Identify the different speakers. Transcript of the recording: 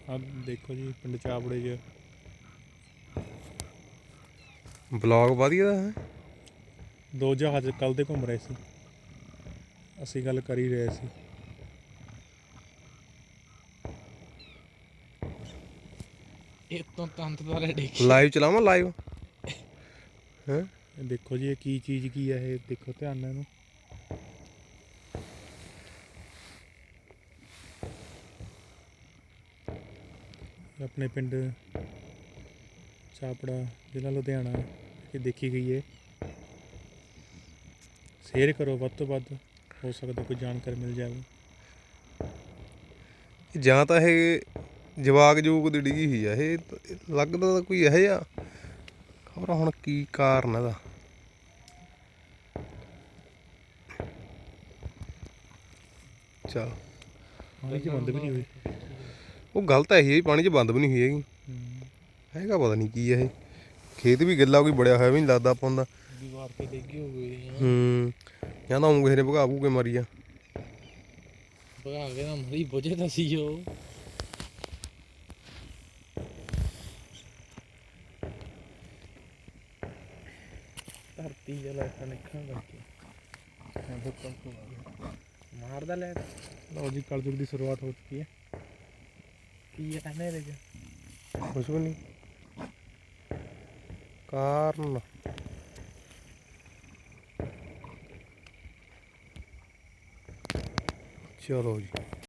Speaker 1: ਆ ਦੇਖੋ ਜੀ ਪਿੰਡ ਚਾਪੜੇ 'ਚ
Speaker 2: ਬਲੌਗ ਵਧੀਆ ਹੈ।
Speaker 1: ਦੋ ਜਹਾਜ਼ ਕੱਲ ਦੇ ਘੁੰਮ ਰਹੇ ਸੀ, ਅਸੀਂ ਗੱਲ ਕਰ ਹੀ ਰਹੇ ਸੀ।
Speaker 3: ਇਹ ਤੋਂ ਤੰਤ ਦਾ ਰੈਡੀ
Speaker 2: ਲਾਈਵ ਚਲਾਵਾਂ ਲਾਈਵ ਹੈ।
Speaker 1: ਦੇਖੋ ਜੀ ਇਹ ਕੀ ਚੀਜ਼ ਕੀ ਹੈ, ਇਹ ਦੇਖੋ ਧਿਆਨ ਨਾਲ ਇਹਨੂੰ। ਆਪਣੇ ਪਿੰਡ ਚਾਪੜਾ ਜ਼ਿਲ੍ਹਾ ਲੁਧਿਆਣਾ ਇਹ ਦੇਖੀ ਗਈ ਹੈ। ਸ਼ੇਅਰ ਕਰੋ ਵੱਧ ਤੋਂ ਵੱਧ, ਹੋ ਸਕਦਾ ਕੋਈ ਜਾਣਕਾਰੀ ਮਿਲ ਜਾਵੇ।
Speaker 2: ਜਾਂ ਤਾਂ ਇਹ ਜਵਾਕ ਜੂਕ ਦੀ ਡਿੱਗੀ ਹੋਈ ਆ, ਇਹ ਲੱਗਦਾ ਤਾਂ ਕੋਈ ਇਹੋ ਜਿਹਾ ਖਬਰ ਹੁਣ ਕੀ ਕਾਰਨ ਇਹਦਾ। ਚੱਲ
Speaker 1: ਪਾਣੀ 'ਚ ਬੰਦ ਵੀ ਨਹੀਂ ਹੋਈ,
Speaker 2: ਉਹ ਗਲਤ ਹੈ ਜੀ, ਪਾਣੀ 'ਚ ਬੰਦ ਵੀ ਨਹੀਂ ਹੋਈ ਹੈਗੀ। ਹੈਗਾ ਪਤਾ ਨਹੀਂ ਕੀ ਇਹ, ਖੇਤ ਵੀ ਗਿੱਲਾ ਕੋਈ ਬੜਿਆ ਹੋਇਆ ਵੀ ਨਹੀਂ ਲੱਗਦਾ ਆਪਾਂ ਦਾ।
Speaker 3: ਦੀਵਾਰ ਤੇ ਡਿੱਗੀ ਹੋ ਗਈ
Speaker 2: ਜਾਂ ਤਾਂ ਉਹ ਕਿਸੇ ਨੇ ਭਗਾ ਭੂ ਕੇ ਮਾਰੀ ਆ।
Speaker 3: ਭਗਾ ਕੇ ਨਾ ਮਰੀ ਬੁਝੇ ਤਾਂ ਸੀ ਉਹ। ਧਰਤੀ ਜਿਹਾ ਲੈਟਾ ਨਿਕਲਣ ਕਰਕੇ ਮਾਰਦਾ ਲੈਟ।
Speaker 1: ਲਓ ਜੀ ਕਲਯੁਗ ਦੀ ਸ਼ੁਰੂਆਤ ਹੋ ਚੁੱਕੀ ਹੈ।
Speaker 3: ਕੀ ਹੈ ਹਨੇਰੇ 'ਚ?
Speaker 2: ਕੁਛ ਵੀ ਨਹੀਂ ਕਾਰਨ। ਚਲੋ ਜੀ।